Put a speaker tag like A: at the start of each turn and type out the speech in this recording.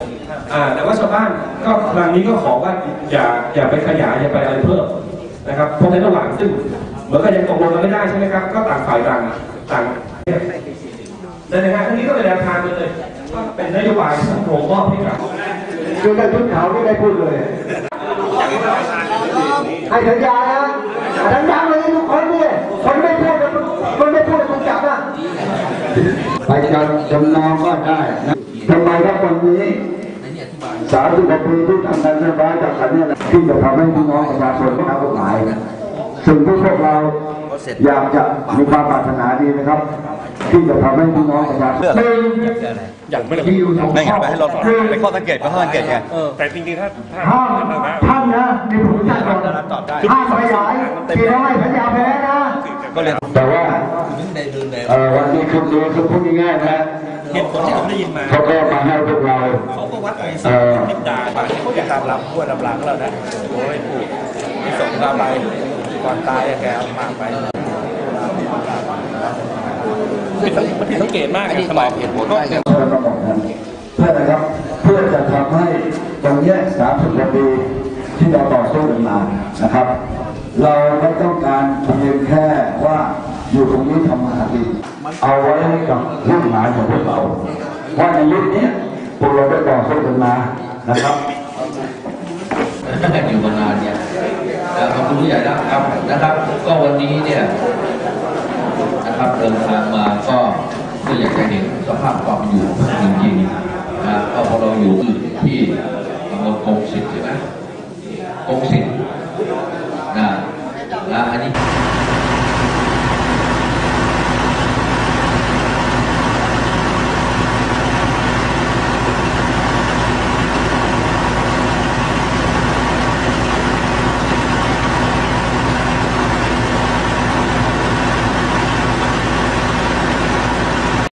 A: แต่ว่าชาวบ้านก็ครั้งนี้ก็ขอว่าอย่าไปขยายอย่าไปอะไรเพิ่มนะครับเพราะในระหว่างซึ่งเหมือนกับยังตกลงกันไม่ได้ใช่ไหมครับก็ต่างฝ่ายต่างในงานครั้งนี้ก็เป็นแนวทางเลยว่าเป็นนโยบายสังคมมอบให้กับ
B: ดูในชุดขาวไม่ได้พูดเลยให้สัญญานะสัญญาเลยทุกคนเนี่ยคนไม่พูดคนไม่พูดคนจับนะไปจำนองก็ได้นะทำไมครับวันนี้30 กว่าปีที่ทำงานนโยบายจากขันเนี่ยที่จะทำให้พี่น้องประชาชนเข้ากฎหมายสิ่งที่พวกเราอยากจะมีความปรารถนาดีนะครับที่จะทำให้พี่น้องประชาชน
C: อย่างไม่ได้ไม่งั้นไปให้เราไปข้อสังเกตก็ข้อสังเกตไง
D: แต่จริงๆถ้า
B: ท่านนะในผู้จัดการห้ามขยายที่เราให้สัญญาไปแล้วนะแต่ว่าวันนี้คุณดูคุณพูดง่ายๆนะ
D: เหตุผลที่ผมได้ยินมา
B: เขาก็มาให้พวกเรา
D: เขาก็วัดไปนิดดาเขาอยากตามลำขั้วลำหลังเรานะโอ้ยผูกมีส่งเราไปก่อนตายแกเอาหมากไปมันผิดสังเกตมากนะสมัยเหตุผลก็
B: เพื่อนะครับเพื่อจะทำให้ตรงนี้30 กว่าปีที่เราต่อสู้กันมานะครับเราไม่ต้องการเพียงแค่ว่าอยู่ตรงนี้ทำมาหากินเอาไว้ให้กับรุ่นหลานของพวกเราว่าในยุคนี้พวกเราได้ต่อสู้กันมานะครับ
E: อยู่มานานเนี่ยขอบคุณผู้ใหญ่นะครับก็วันนี้เนี่ยนะครับเดินทางมาก็อยากจะเห็นสภาพความอยู่จริงๆนะก็พอเราอยู่ที่ตำบลกงสิทธิ์ใช่ไหมกงสิทธิ์